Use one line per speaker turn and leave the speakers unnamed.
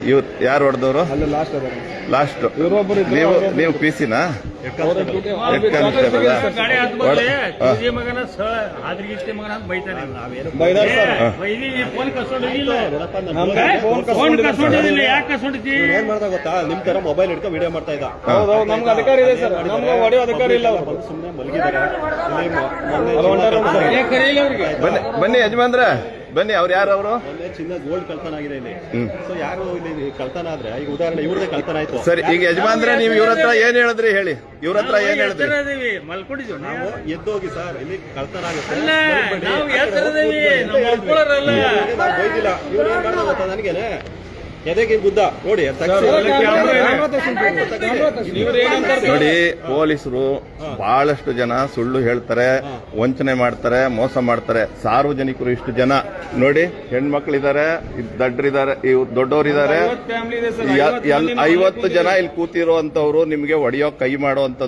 ಇವ್ ಯಾರು ಹೊಡೆದವರು? ಲಾಸ್ಟ್ ನೀವು ಪಿಸಿನಾ?
ಏನ್ ಮಾಡ್ತಾ ಗೊತ್ತಾ, ನಿಮ್ ತರ ಮೊಬೈಲ್ ಹಿಡ್ಕೊಂಡು ವಿಡಿಯೋ ಮಾಡ್ತಾ ಇದ್ದ.
ನಮ್ಗೆ ಅಧಿಕಾರ ಇದೆ ಸರ್, ನಮ್ಗೆ ಹೊಡೆಯೋ ಅಧಿಕಾರ ಇಲ್ಲ.
ಸುಮ್ಮನೆ ಮಲಗಿದ್ದಾರೆ.
ಬನ್ನಿ ಯಜಮಾನ್ರ, ಬನ್ನಿ. ಅವ್ರು ಯಾರು? ಅವರು
ಮೊನ್ನೆ ಚಿನ್ನ ಗೋಲ್ಡ್ ಕಳ್ತನ ಆಗಿದೆ ಇಲ್ಲಿ. ಸೊ ಯಾರು ಇಲ್ಲಿ ಕಳ್ತನ ಆದ್ರೆ, ಈಗ ಉದಾಹರಣೆ ಇವ್ರದೇ ಕಳ್ತನ ಆಯ್ತು.
ಸರಿ, ಈಗ ಯಜಮಾನ್ರೆ ನೀವು ಇವ್ರ ಹತ್ರ ಏನ್ ಹೇಳಿದ್ರಿ ಹೇಳಿ? ಇವ್ರ ಹತ್ರ ಏನ್ ಹೇಳಿದ್ರಿ?
ನಾವು ಎದ್ದೋಗಿ ಸರ್, ಇಲ್ಲಿ ಕಳ್ತನ ಆಗುತ್ತೆ ಬೈದಿಲ್ಲ. ಇವ್ರು ಏನ್ ಮಾಡ್ತಾ ಗೊತ್ತಾ ನನಗೇನೆ, ಎದೆಗೆ ಗುದ್ದ ನೋಡಿ.
ನೋಡಿ, ಪೊಲೀಸರು ಬಹಳಷ್ಟು ಜನ ಸುಳ್ಳು ಹೇಳ್ತಾರೆ, ವಂಚನೆ ಮಾಡ್ತಾರೆ, ಮೋಸ ಮಾಡ್ತಾರೆ. ಸಾರ್ವಜನಿಕರು ಇಷ್ಟು ಜನ ನೋಡಿ, ಹೆಣ್ಮಕ್ಳಿದ್ದಾರೆ, ದಡ್ಡರಿದ್ದಾರೆ, ದೊಡ್ಡವರಿದ್ದಾರೆ, 50 ಜನ ಇಲ್ಲಿ ಕೂತಿರುವಂತವ್ರು ನಿಮ್ಗೆ ಹೊಡೆಯೋ ಕೈ ಮಾಡೋ